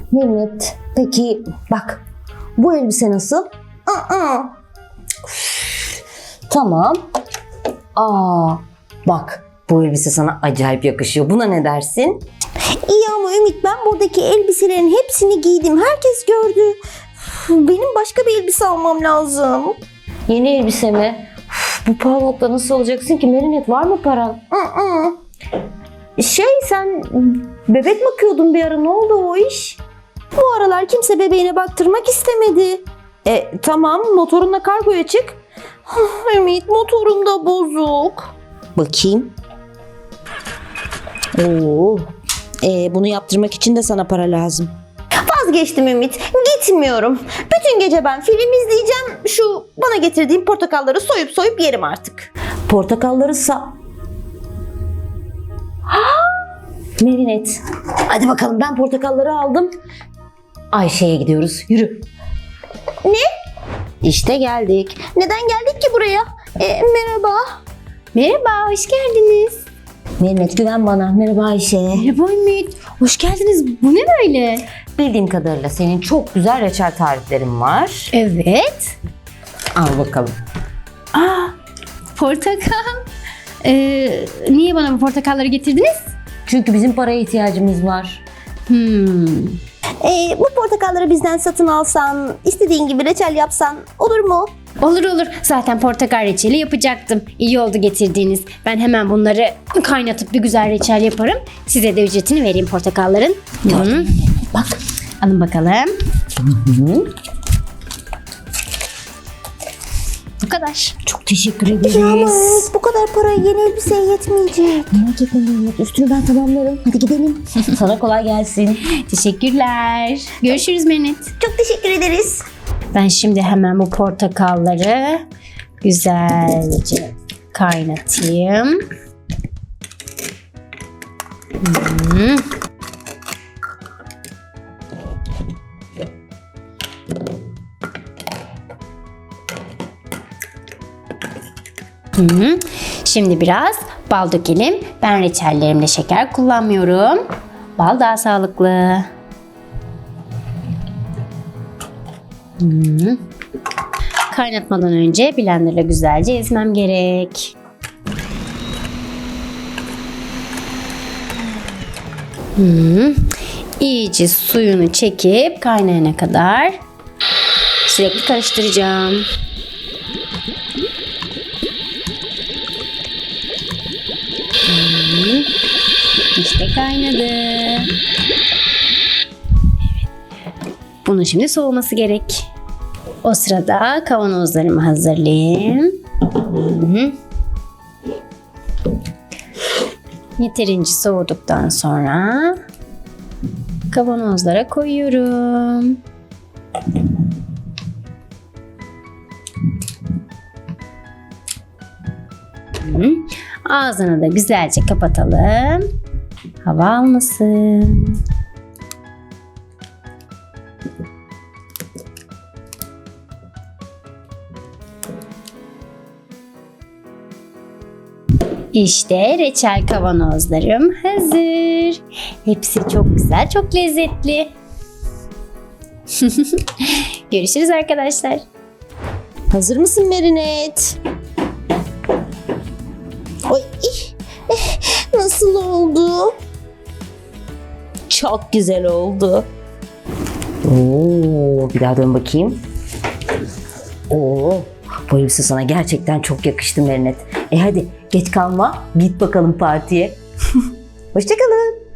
Merinet, peki bak bu elbise nasıl? Tamam. Bak bu elbise sana acayip yakışıyor. Buna ne dersin? İyi ama Ümit, ben buradaki elbiselerin hepsini giydim. Herkes gördü. Benim başka bir elbise almam lazım. Yeni elbise mi? Bu pahalılıkla nasıl olacaksın ki Merinet? Var mı paran? Sen bebek bakıyordun bir ara, ne oldu o iş? Bu aralar kimse bebeğine baktırmak istemedi. Tamam, motorunla kargoya çık. Ümit, motorum da bozuk. Bakayım. Bunu yaptırmak için de sana para lazım. Vazgeçtim Ümit. Gitmiyorum. Bütün gece ben film izleyeceğim. Şu bana getirdiğin portakalları soyup yerim artık. Portakalları Merinet. Hadi bakalım, ben portakalları aldım. Ayşe'ye gidiyoruz. Yürü. Ne? İşte geldik. Neden geldik ki buraya? Merhaba. Merhaba, hoş geldiniz. Merinet, güven bana. Merhaba Ayşe. Merhaba Ümit, hoş geldiniz. Bu ne böyle? Bildiğim kadarıyla senin çok güzel reçel tariflerin var. Evet. Al bakalım. Portakal. Niye bana bu portakalları getirdiniz? Çünkü bizim paraya ihtiyacımız var. Bu portakalları bizden satın alsan, istediğin gibi reçel yapsan olur mu? Olur olur. Zaten portakal reçeli yapacaktım. İyi oldu getirdiğiniz. Ben hemen bunları kaynatıp bir güzel reçel yaparım. Size de ücretini vereyim portakalların. Bak. Alın bakalım. Bu kadar. Çok teşekkür ederiz. Ya ama Ümit, bu kadar para yeni elbiseye yetmeyecek. Merak etme Merinet. Üstünü ben tamamlarım. Hadi gidelim. Sana kolay gelsin. Teşekkürler. Görüşürüz Merinet. Çok teşekkür ederiz. Ben şimdi hemen bu portakalları güzelce kaynatayım. Şimdi biraz bal dökelim. Ben reçellerimde şeker kullanmıyorum. Bal daha sağlıklı. Kaynatmadan önce blenderla güzelce ezmem gerek. İyice suyunu çekip kaynayana kadar sürekli karıştıracağım. İşte kaynadı. Evet. Bunun şimdi soğuması gerek. O sırada kavanozlarımı hazırlayayım. Yeterince soğuduktan sonra kavanozlara koyuyorum. Ağzını da güzelce kapatalım. Hava almasın. İşte reçel kavanozlarım hazır. Hepsi çok güzel, çok lezzetli. Görüşürüz arkadaşlar. Hazır mısın Merinet? Oy, nasıl oldu? Çok güzel oldu. Bir daha dön bakayım. Bu elbise sana gerçekten çok yakıştı Merinet. Hadi geç kalma. Git bakalım partiye. Hoşça kalın.